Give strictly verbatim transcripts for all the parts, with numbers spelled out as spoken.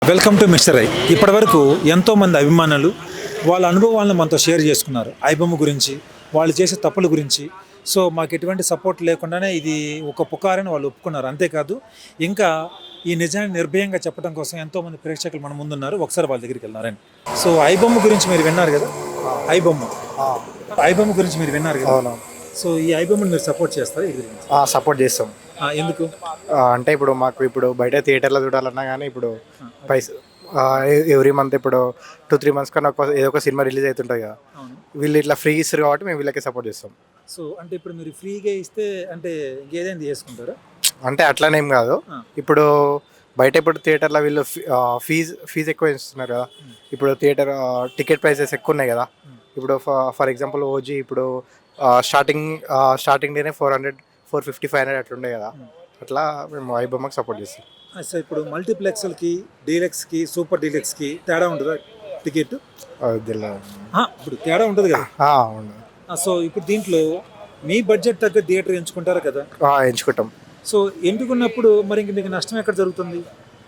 Welcome to mister I. ఇప్పటి వరకు ఎంతోమంది అభిమానులు వాళ్ళ అనుభవాలను మనతో షేర్ చేసుకున్నారు. ఐబొమ్మ గురించి, వాళ్ళు చేసే తప్పుల గురించి. సో మాకు ఎటువంటి సపోర్ట్ లేకుండానే ఇది ఒక పుకారని వాళ్ళు ఒప్పుకున్నారు. అంతేకాదు ఇంకా ఈ నిజాన్ని నిర్భయంగా చెప్పడం కోసం ఎంతోమంది ప్రేక్షకులు మన ముందున్నారు. ఒకసారి వాళ్ళ దగ్గరికి వెళ్ళినారని. సో ఐబొమ్మ గురించి మీరు విన్నారు కదా. ఐబొమ్మ ఐబొమ్మ గురించి మీరు విన్నారు కదా. అవును. సో ఈ ఐబొమ్మని మీరు సపోర్ట్ చేస్తారా? ఇది గురించి సపోర్ట్ చేస్తాం. ఎందుకు అంటే ఇప్పుడు మాకు ఇప్పుడు బయట థియేటర్లో చూడాలన్నా కానీ ఇప్పుడు పైస ఎవ్రీ మంత్ ఇప్పుడు టూ త్రీ మంత్స్ కన్నా ఒక ఏదో ఒక సినిమా రిలీజ్ అవుతుంటుంది కదా. వీళ్ళు ఇట్లా ఫ్రీ ఇస్తారు కాబట్టి మేము వీళ్ళకి సపోర్ట్ చేస్తాం. సో అంటే ఇప్పుడు మీరు ఫ్రీగా ఇస్తే అంటే ఇంకేదైనా చేసుకుంటారా? అంటే అట్లానేం కాదు. ఇప్పుడు బయట ఇప్పుడు థియేటర్లో వీళ్ళు ఫీజు ఫీజు ఎక్కువ ఇస్తున్నారు కదా. ఇప్పుడు థియేటర్ టికెట్ ప్రైసెస్ ఎక్కువ ఉన్నాయి కదా. ఇప్పుడు ఫర్ ఎగ్జాంపుల్ ఓజీ ఇప్పుడు స్టార్టింగ్ స్టార్టింగ్ డేనే four hundred four fifty five hundred అట్లా ఉండే కదా. అట్లా మేము ఐబొమ్మకి సపోర్ట్ చేస్తాం. సో ఇప్పుడు మల్టీప్లెక్స్లకి, డీలక్స్కి, సూపర్ డీలక్స్కి తేడా ఉంటుందా టికెట్? ఇప్పుడు తేడా ఉంటుంది కదా. అవును. సో ఇప్పుడు దీంట్లో మీ బడ్జెట్ తగ్గ థియేటర్ ఎంచుకుంటారు కదా. ఎంచుకుంటాం. సో ఎంచుకున్నప్పుడు మరి ఇంక మీకు నష్టం ఎక్కడ జరుగుతుంది?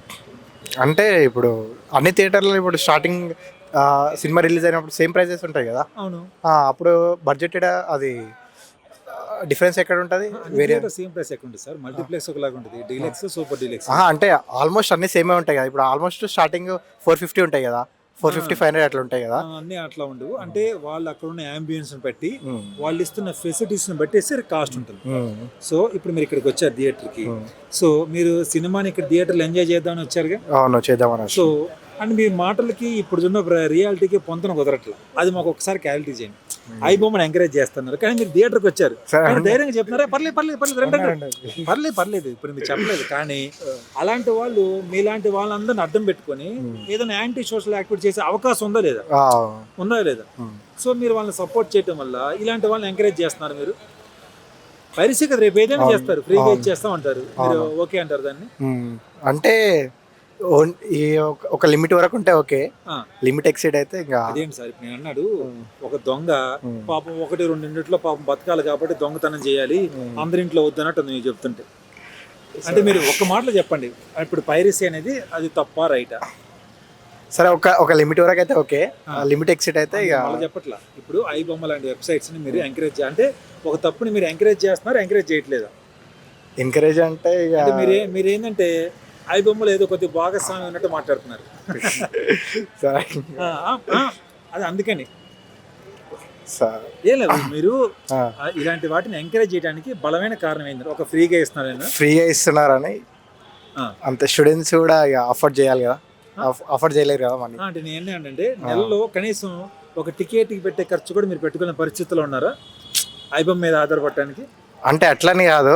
అంటే ఇప్పుడు అన్ని థియేటర్లో ఇప్పుడు స్టార్టింగ్ సినిమా రిలీజ్ అయినప్పుడు సేమ్ ప్రైజెస్ ఉంటాయి కదా. అవును. అప్పుడు బడ్జెట్ అది డిఫరెన్స్ ఎక్కడ ఉంటుంది? వేరే సేమ్ ప్రైస్ ఎక్కడ ఉంటుంది సార్? మల్టీప్లెక్స్ ఒకలాగా ఉంటుంది, డీలక్స్, సూపర్ డీలక్స్. అంటే ఆల్మోస్ట్ అన్ని సేమే ఉంటాయి కదా. ఇప్పుడు ఆల్మోస్ట్ స్టార్టింగ్ ఫోర్ ఫిఫ్టీ ఉంటాయి కదా, ఫోర్ ఫిఫ్టీ ఫైవ్ హండ్రెడ్ అట్లా ఉంటాయి కదా. అన్ని అట్లా ఉండవు. అంటే వాళ్ళు అక్కడ ఉన్న అంబియన్స్ బట్టి, వాళ్ళు ఇస్తున్న ఫెసిలిటీస్ బట్టి కాస్ట్ ఉంటుంది. సో ఇప్పుడు మీరు ఇక్కడికి వచ్చారు థియేటర్కి. సో మీరు సినిమాని ఇక్కడ థియేటర్లో ఎంజాయ్ చేద్దామని వచ్చారుగా. అవును, చేద్దామని. సో అండ్ మీ మాటలకి ఇప్పుడు ఉన్న రియాలిటీకి పొంతన కుదరట్లేదు. అది మాకు ఒకసారి క్లారిటీ చేయండి. ఐబొమ్మని ఎంకరేజ్ చేస్తున్నారు కానీ మీరు థియేటర్కి వచ్చారు, ధైర్యంగా చెప్తున్నారా? పర్లేదు పర్లేదు పర్లేదు పర్లేదు పర్లేదు ఇప్పుడు మీరు చెప్పలేదు. కానీ అలాంటి వాళ్ళు మీలాంటి వాళ్ళందరిని అడ్డం పెట్టుకొని ఏదైనా యాంటీ సోషల్ యాక్టివిటీ చేసే అవకాశం ఉందా లేదా? ఉందా లేదా? సో మీరు వాళ్ళని సపోర్ట్ చేయడం వల్ల ఇలాంటి వాళ్ళని ఎంకరేజ్ చేస్తున్నారు. మీరు పరిస్థితి కదా, రేపు ఏదైనా చేస్తారు, ఫ్రీగా ఇచ్చేస్తాం అంటారు, మీరు ఓకే అంటారు దాన్ని? అంటే ఈ ఒక లిమిట్ వరకు ఉంటే ఓకే, లిమిట్ ఎక్సీడ్ అయితే ఇంకా అదేంటి సార్. ఇప్పుడు నేను అన్నాడు ఒక దొంగ పాపం ఒకటి రెండు ఇంట్లో పాపం బతకాలి కాబట్టి దొంగతనం చేయాలి, అందరింట్లో వద్దన్నట్టు మీరు చెప్తుంటే. అంటే మీరు ఒక్క మాటలో చెప్పండి, ఇప్పుడు పైరసీ అనేది అది తప్ప రైటా? సరే, ఒక ఒక లిమిట్ వరకు అయితే ఓకే, లిమిట్ ఎక్సీడ్ అయితే ఇక చెప్పట్లా. ఇప్పుడు ఐబొమ్మ లాంటి వెబ్సైట్స్ ని మీరు ఎంకరేజ్ అంటే ఒక తప్పుని మీరు ఎంకరేజ్ చేస్తున్నారు, ఎంకరేజ్ చేయట్లేదా? ఎంకరేజ్ అంటే మీరే మీరు ఏంటంటే ఐబొమ్మలో ఏదో కొద్దిగా భాగస్వామి ఉన్నట్టు మాట్లాడుతున్నారు. అది అందుకని ఏ లేదు, మీరు ఇలాంటి వాటిని ఎంకరేజ్ చేయడానికి బలమైన కారణం ఏంటి? ఒక ఫ్రీగా ఇస్తున్నారు, ఫ్రీగా ఇస్తున్నారని అంత స్టూడెంట్స్ కూడా అఫోర్డ్ చేయాలి కదా, అఫోర్డ్ చేయలేరు కదా మనీ. అంటే నేను ఏంటంటే నెలలో కనీసం ఒక టికెట్కి పెట్టే ఖర్చు కూడా మీరు పెట్టుకునే పరిస్థితిలో ఉన్నారా ఐబొమ్మ మీద ఆధారపడటానికి? అంటే అట్లని కాదు,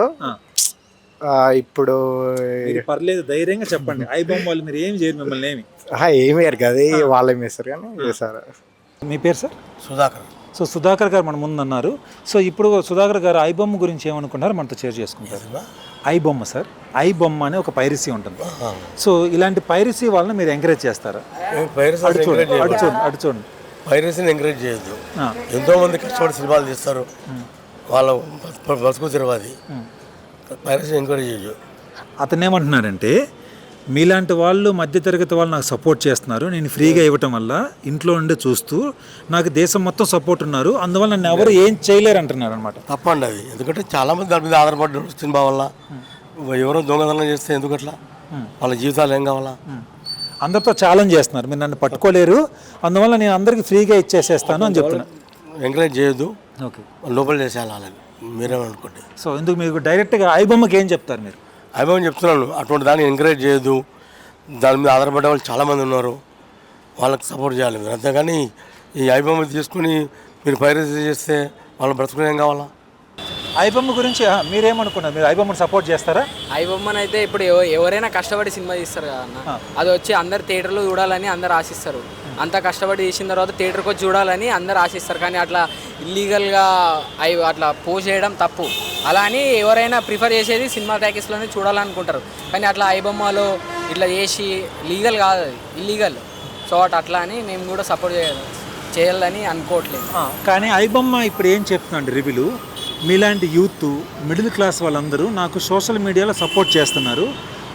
ఇప్పుడు పర్లేదు ధైర్యంగా చెప్పండి. ఐబొమ్మ వాళ్ళు మీరు ఏమి చేయరు, మిమ్మల్ని ఏమి ఏమి వేరు కదా, వాళ్ళు ఏమి వేస్తారు కానీ వేసారు. మీ పేరు సార్? సుధాకర్. సో సుధాకర్ గారు మన ముందు అన్నారు. సో ఇప్పుడు సుధాకర్ గారు ఐబొమ్మ గురించి ఏమనుకున్నారు మనతో షేర్ చేసుకుంటారు. ఐబొమ్మ సార్, ఐబొమ్మ అనే ఒక పైరసీ ఉంటుంది. సో ఇలాంటి పైరసీ వాళ్ళని మీరు ఎంకరేజ్ చేస్తారా? అటు చూడండి అటు చూడండి పైరసీని ఎంకరేజ్ చేయొద్దు. ఎంతో మంది కష్టపడి సినిమాలు తీస్తారు, వాళ్ళ బతుకు తిరవాది. పైరసీ ఎంకరేజ్ చేయొద్దు. అతను ఏమంటున్నారంటే మీలాంటి వాళ్ళు మధ్యతరగతి వాళ్ళు నాకు సపోర్ట్ చేస్తున్నారు, నేను ఫ్రీగా ఇవ్వటం వల్ల ఇంట్లో ఉండి చూస్తూ నాకు దేశం మొత్తం సపోర్ట్ ఉన్నారు, అందువల్ల నన్ను ఎవరు ఏం చేయలేరు అంటున్నారు అనమాట. తప్పండి అది. ఎందుకంటే చాలా మంది దాని మీద ఆధారపడ్డారు సినిమా వల్ల. ఎవరో దొంగతనం చేస్తే ఎందుకట్లా, వాళ్ళ జీవితాలు ఏం కావాలా? అందరితో ఛాలెంజ్ చేస్తున్నారు, మీరు నన్ను పట్టుకోలేరు, అందువల్ల నేను అందరికి ఫ్రీగా ఇచ్చేసేస్తాను అని చెప్తున్నా. ఎంకరేజ్ చేయొద్దు, ఓకే, లోపల చేసేయాలి వాళ్ళని, మీరేమనుకోండి. సో ఎందుకు మీకు డైరెక్ట్గా ఐబొమ్మకి ఏం చెప్తారు మీరు? ఐబొమ్మ చెప్తున్నాను, అటువంటి దాన్ని ఎంకరేజ్ చేయొద్దు. దాని మీద ఆధారపడే వాళ్ళు చాలామంది ఉన్నారు, వాళ్ళకి సపోర్ట్ చేయాలి మీరు. అంతేగాని ఈ ఐబొమ్మ తీసుకుని మీరు పైరసీ చేస్తే వాళ్ళ బ్రతుకులు ఏం కావాలా? ఐబొమ్మ గురించి మీరేమనుకున్నారు? మీరు ఐబొమ్మను సపోర్ట్ చేస్తారా? ఐబొమ్మను అయితే ఇప్పుడు ఎవరైనా కష్టపడి సినిమా తీస్తారు కదా అన్న, అది వచ్చి అందరు థియేటర్లో చూడాలని అందరు ఆశిస్తారు. అంత కష్టపడి తీసిన తర్వాత థియేటర్కి వచ్చి చూడాలని అందరు ఆశిస్తారు. కానీ అట్లా ఇల్లీగల్గా అవి అట్లా పోస్ట్ చేయడం తప్పు. అలా అని ఎవరైనా ప్రిఫర్ చేసేది సినిమా ప్యాకేజ్లోనే చూడాలనుకుంటారు. కానీ అట్లా ఐబొమ్మలో ఇట్లా చేసి లీగల్ కాదు, అది ఇల్లీగల్. సో అట్ అట్లా అని మేము కూడా సపోర్ట్ చేయాలి చేయాలని అనుకోవట్లేదు. కానీ ఐబొమ్మ ఇప్పుడు ఏం చెప్తుందండి రివ్యూలు, మీలాంటి యూత్ మిడిల్ క్లాస్ వాళ్ళందరూ నాకు సోషల్ మీడియాలో సపోర్ట్ చేస్తున్నారు,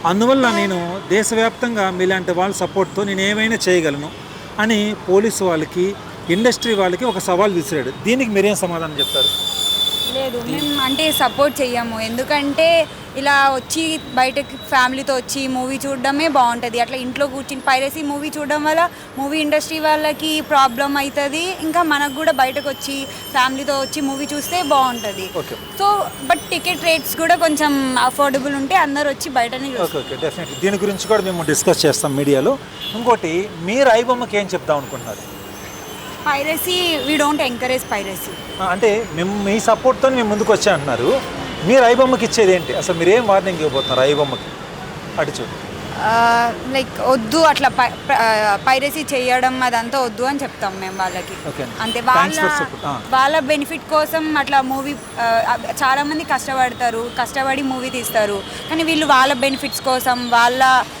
అందువల్ల నేను దేశవ్యాప్తంగా మీలాంటి వాళ్ళ సపోర్ట్తో నేను ఏమైనా చేయగలను అని పోలీసు వాళ్ళకి ఇండస్ట్రీ వాళ్ళకి ఒక సవాల్ విసిరాడు. దీనికి మీరేం సమాధానం చెప్తారు? లేదు, మేము అంటే సపోర్ట్ చెయ్యము. ఎందుకంటే ఇలా వచ్చి బయటకి ఫ్యామిలీతో వచ్చి మూవీ చూడడమే బాగుంటుంది. అట్లా ఇంట్లో కూర్చుని పైరసీ మూవీ చూడడం వల్ల మూవీ ఇండస్ట్రీ వాళ్ళకి ప్రాబ్లం అవుతుంది. ఇంకా మనకు కూడా బయటకు వచ్చి ఫ్యామిలీతో వచ్చి మూవీ చూస్తే బాగుంటుంది. సో బట్ టికెట్ రేట్స్ కూడా కొంచెం అఫోర్డబుల్ ఉంటే అందరు వచ్చి బయటనే ఓకే ఓకే డెఫినెట్లీ దీని గురించి కూడా మేము డిస్కస్ చేస్తాం మీడియాలో. ఇంకోటి, మీరు ఐబొమ్మకి ఏం చెప్దాం అనుకుంటున్నారు? Piracy we don't encourage piracy. అంటే మేము మీ సపోర్ట్తో మేము ముందుకు వచ్చా అంటున్నారు. మీరు ఐబొమ్మకి ఇచ్చేది ఏంటి? అసలు మీరు ఏం వార్నింగ్ ఇవ్వబోతున్నారు ఐబొమ్మకి? అటు చూడు, లైక్ వద్దు అట్లా పైరసీ చేయడం అదంతా వద్దు అని చెప్తాం మేము వాళ్ళకి. అంతే, వాళ్ళ వాళ్ళ బెనిఫిట్ కోసం అట్లా మూవీ చాలా మంది కష్టపడతారు, కష్టపడి మూవీ తీస్తారు. కానీ వీళ్ళు వాళ్ళ బెనిఫిట్స్ కోసం వాళ్ళ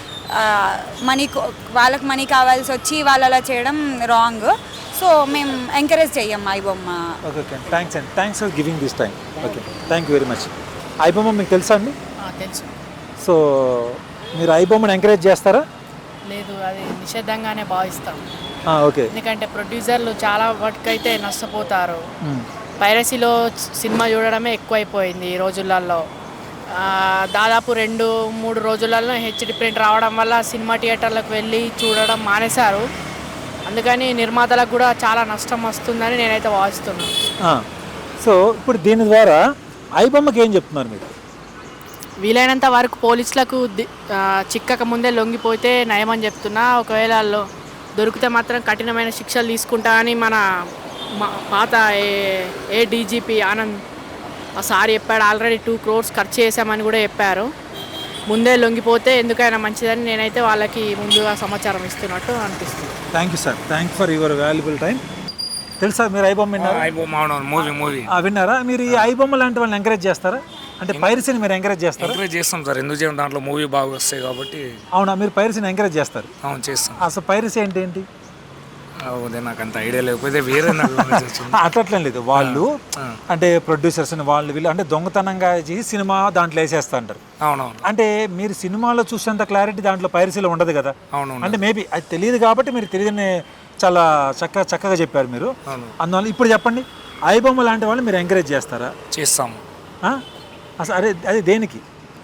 మనీ వాళ్ళకి మనీ కావాల్సి వచ్చి వాళ్ళు అలా చేయడం రాంగ్. సో మేము ఎంకరేజ్ చెయ్యం ఐబొమ్మ. ఓకే ఓకే థ్యాంక్స్ అండి, thanks for giving this time. Okay thank you very much. IBomma మీకు తెలుసా అండి? తెలుసు. సో మీరు ఐబొమ్మని ఎంకరేజ్ చేస్తారా? లేదు, అది నిషేధంగానే భావిస్తాం. ఓకే, ఎందుకంటే ప్రొడ్యూసర్లు చాలా వరకైతే నష్టపోతారు. పైరసీలో సినిమా చూడడమే ఎక్కువైపోయింది ఈ రోజులలో. దాదాపు రెండు మూడు రోజులలో హెచ్డి ప్రింట్ రావడం వల్ల సినిమా థియేటర్లకు వెళ్ళి చూడడం మానేశారు. అందుకని నిర్మాతలకు కూడా చాలా నష్టం వస్తుందని నేనైతే భావిస్తున్నాను. సో ఇప్పుడు దీని ద్వారా ఐబొమ్మకి ఏం చెప్తున్నారు మీరు? వీలైనంత వరకు పోలీసులకు చిక్కక ముందే లొంగిపోతే నయమని చెప్తున్నా. ఒకవేళ దొరికితే మాత్రం కఠినమైన శిక్షలు తీసుకుంటా అని మన పాత ఏ ఏ డీజీపీ ఆనంద్ ఆ సార్ చెప్పాడు. ఆల్రెడీ టూ క్రోర్స్ ఖర్చు చేశామని కూడా చెప్పారు. ముందే లొంగిపోతే ఎందుకైనా మంచిదని నేనైతే వాళ్ళకి ముందుగా సమాచారం ఇస్తున్నట్టు అనిపిస్తుంది. Thank you sir, thank for your valuable time. తెలుసా మీరు ఐబొమ్మ విన్నారా? మూవీ మూవీ విన్నారా మీరు? ఈ ఐబొమ్మ లాంటి వాళ్ళని ఎంకరేజ్ చేస్తారా? అంటే పైరసీని మీరు ఎంకరేజ్ చేస్తారా? ఎంకరేజ్ చేస్తాం సార్, ఎందుకు చేయం, దాంట్లో మూవీ బాగా వస్తాయి కాబట్టి. అవునా, మీరు పైరసీని ఎంకరేజ్ చేస్తారు? అవును చేస్తాం. అసలు పైరసీ అంటే ఏంటి? అదే నాకు అంత ఐడియా లేకపోతే వేరే అట్లట్లేం లేదు. వాళ్ళు అంటే ప్రొడ్యూసర్స్ వాళ్ళు వీళ్ళు అంటే దొంగతనంగా చేసి సినిమా దాంట్లో వేసేస్తా అంటారు. అవునవును. అంటే మీరు సినిమాలో చూసేంత క్లారిటీ దాంట్లో పైరసీలో ఉండదు కదా. అవును. అంటే మేబీ అది తెలియదు కాబట్టి మీరు తెలియని చాలా చక్కగా చక్కగా చెప్పారు మీరు. అందువల్ల ఇప్పుడు చెప్పండి, ఐబొమ్మ లాంటి వాళ్ళు మీరు ఎంకరేజ్ చేస్తారా? చేస్తాము. అసలు అరే అది దేనికి?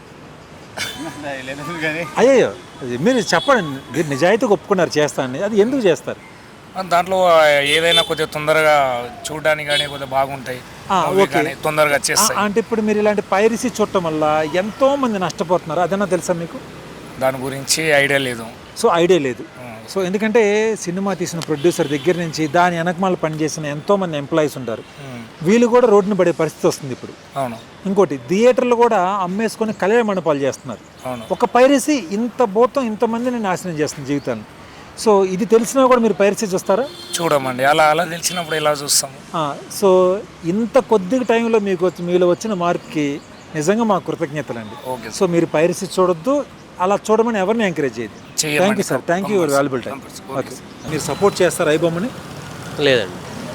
అయ్యో మీరు చెప్పండి, మీరు నిజాయితీగా ఒప్పుకున్నారు చేస్తానని, అది ఎందుకు చేస్తారు? దాంట్లో ఏదైనా కొద్దిగా తొందరగా చూడడానికి కానీ కొద్దిగా బాగుంటాయి, తొందరగా చేస్తాయి. అంటే ఇప్పుడు మీరు ఇలాంటి పైరసీ చూడటం వల్ల ఎంతో మంది నష్టపోతున్నారు, అదన్నా తెలుసా మీకు? దాని గురించి ఐడియా లేదు. సో ఐడియా లేదు. సో ఎందుకంటే సినిమా తీసిన ప్రొడ్యూసర్ దగ్గర నుంచి దాని వెనకమాల పనిచేసిన ఎంతో మంది ఎంప్లాయీస్ ఉంటారు, వీళ్ళు కూడా రోడ్డున పడే పరిస్థితి వస్తుంది ఇప్పుడు. అవును. ఇంకోటి, థియేటర్లు కూడా అమ్మేసుకొని కళ్యాణ మండపాలు చేస్తున్నారు. ఒక పైరసీ ఇంత భూతం ఇంతమందిని నాశనం చేస్తుంది జీవితాన్ని. సో ఇది తెలిసినా కూడా మీరు పైరసీ చూస్తారా? చూడమండి, అలా అలా తెలిసినప్పుడు ఎలా చూస్తాము. సో ఇంత కొద్ది టైంలో మీకు వచ్చి మీలో వచ్చిన మార్పుకి నిజంగా మా కృతజ్ఞతలు అండి. సో మీరు పైరసీ చూడొద్దు, అలా చూడమని ఎవరిని ఎంకరేజ్ చేయదు. Thank you sir, thank you your valuable time. Okay, మీరు సపోర్ట్ చేస్తారు ఐబొమ్మని? లేదండి.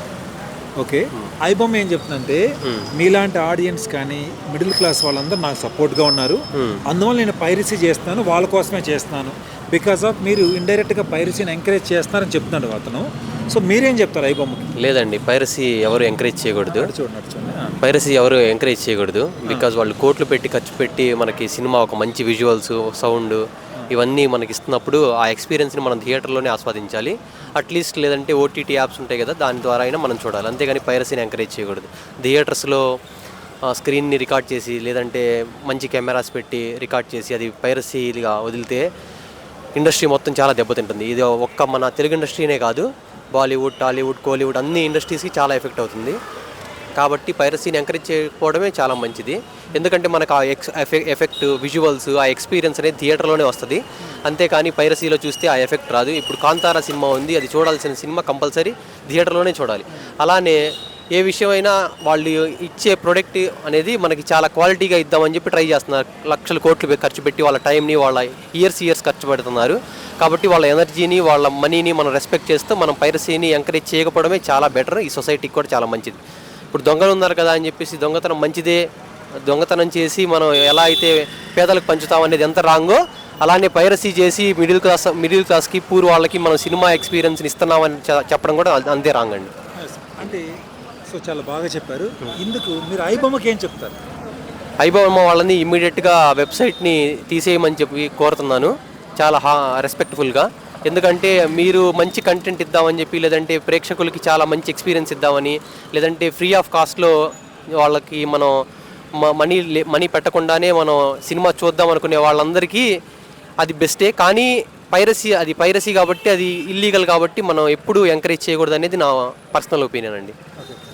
ఓకే, ఐబొమ్మ ఏం చెప్తుందంటే మీలాంటి ఆడియన్స్ కానీ మిడిల్ క్లాస్ వాళ్ళందరూ నాకు సపోర్ట్గా ఉన్నారు, అందువల్ల నేను పైరసీ చేస్తున్నాను, వాళ్ళ కోసమే చేస్తున్నాను, బికాస్ ఆఫ్ మీరు ఇండైరెక్ట్గా పైరసీని ఎంకరేజ్ చేస్తున్నారని చెప్తున్నాడు అతను. సో మీరేం చెప్తారు ఐబొమ్మకి? లేదండి, పైరసీ ఎవరు ఎంకరేజ్ చేయకూడదు. చూడండి చూడండి పైరసీ ఎవరు ఎంకరేజ్ చేయకూడదు. బికాజ్ వాళ్ళు కోట్లు పెట్టి ఖర్చు పెట్టి మనకి సినిమా ఒక మంచి విజువల్స్, సౌండ్ ఇవన్నీ మనకి ఇస్తున్నప్పుడు ఆ ఎక్స్పీరియన్స్ని మనం థియేటర్లోనే ఆస్వాదించాలి. అట్లీస్ట్ లేదంటే ఓటీటీ యాప్స్ ఉంటాయి కదా, దాని ద్వారా అయినా మనం చూడాలి, అంతేగాని పైరసీని ఎంకరేజ్ చేయకూడదు. థియేటర్స్లో స్క్రీన్ని రికార్డ్ చేసి లేదంటే మంచి కెమెరాస్ పెట్టి రికార్డ్ చేసి అది పైరసీగా వదిలితే ఇండస్ట్రీ మొత్తం చాలా దెబ్బతింటుంది. ఇది ఒక్క మన తెలుగు ఇండస్ట్రీనే కాదు, బాలీవుడ్, టాలీవుడ్, కోలీవుడ్ అన్ని ఇండస్ట్రీస్కి చాలా ఎఫెక్ట్ అవుతుంది. కాబట్టి పైరసీని ఎంకరేజ్ చేయకపోవడమే చాలా మంచిది. ఎందుకంటే మనకు ఆ ఎక్స్ ఎఫెక్ట్ విజువల్స్ ఆ ఎక్స్పీరియన్స్ అనేది థియేటర్లోనే వస్తుంది, అంతేకాని పైరసీలో చూస్తే ఆ ఎఫెక్ట్ రాదు. ఇప్పుడు కాంతారా సినిమా ఉంది, అది చూడాల్సిన సినిమా కంపల్సరీ థియేటర్లోనే చూడాలి. అలానే ఏ విషయమైనా వాళ్ళు ఇచ్చే ప్రోడక్ట్ అనేది మనకి చాలా క్వాలిటీగా ఇద్దామని చెప్పి ట్రై చేస్తున్నారు. లక్షల కోట్లు ఖర్చు పెట్టి వాళ్ళ టైంని వాళ్ళ ఇయర్స్ ఇయర్స్ ఖర్చు పెడుతున్నారు. కాబట్టి వాళ్ళ ఎనర్జీని వాళ్ళ మనీని మనం రెస్పెక్ట్ చేస్తూ మనం పైరసీని ఎంకరేజ్ చేయకపోవడమే చాలా బెటర్, ఈ సొసైటీకి కూడా చాలా మంచిది. ఇప్పుడు దొంగలు ఉన్నారు కదా అని చెప్పేసి దొంగతనం మంచిదే దొంగతనం చేసి మనం ఎలా అయితే పేదలకు పంచుతాం అనేది ఎంత రాంగో అలానే పైరసీ చేసి మిడిల్ క్లాస్ మిడిల్ క్లాస్కి పూర్ వాళ్ళకి మనం సినిమా ఎక్స్పీరియన్స్ని ఇస్తున్నామని చె- చెప్పడం కూడా అంతే రాంగ్ అండి. అంటే సో చాలా బాగా చెప్పారు. ఇందుకు మీరు ఐబొమ్మకి ఏం చెప్తారు? ఐబొమ్మ వాళ్ళని ఇమ్మీడియట్గా వెబ్సైట్ని తీసేయమని చెప్పి కోరుతున్నాను చాలా హా రెస్పెక్ట్ఫుల్గా. ఎందుకంటే మీరు మంచి కంటెంట్ ఇద్దామని చెప్పి లేదంటే ప్రేక్షకులకి చాలా మంచి ఎక్స్పీరియన్స్ ఇద్దామని లేదంటే ఫ్రీ ఆఫ్ కాస్ట్లో వాళ్ళకి మనం మనీ మనీ పెట్టకుండానే మనం సినిమా చూద్దాం అనుకునే వాళ్ళందరికీ అది బెస్టే. కానీ పైరసీ అది పైరసీ కాబట్టి అది ఇల్లీగల్ కాబట్టి మనం ఎప్పుడూ ఎంకరేజ్ చేయకూడదు అనేది నా పర్సనల్ ఒపీనియన్ అండి.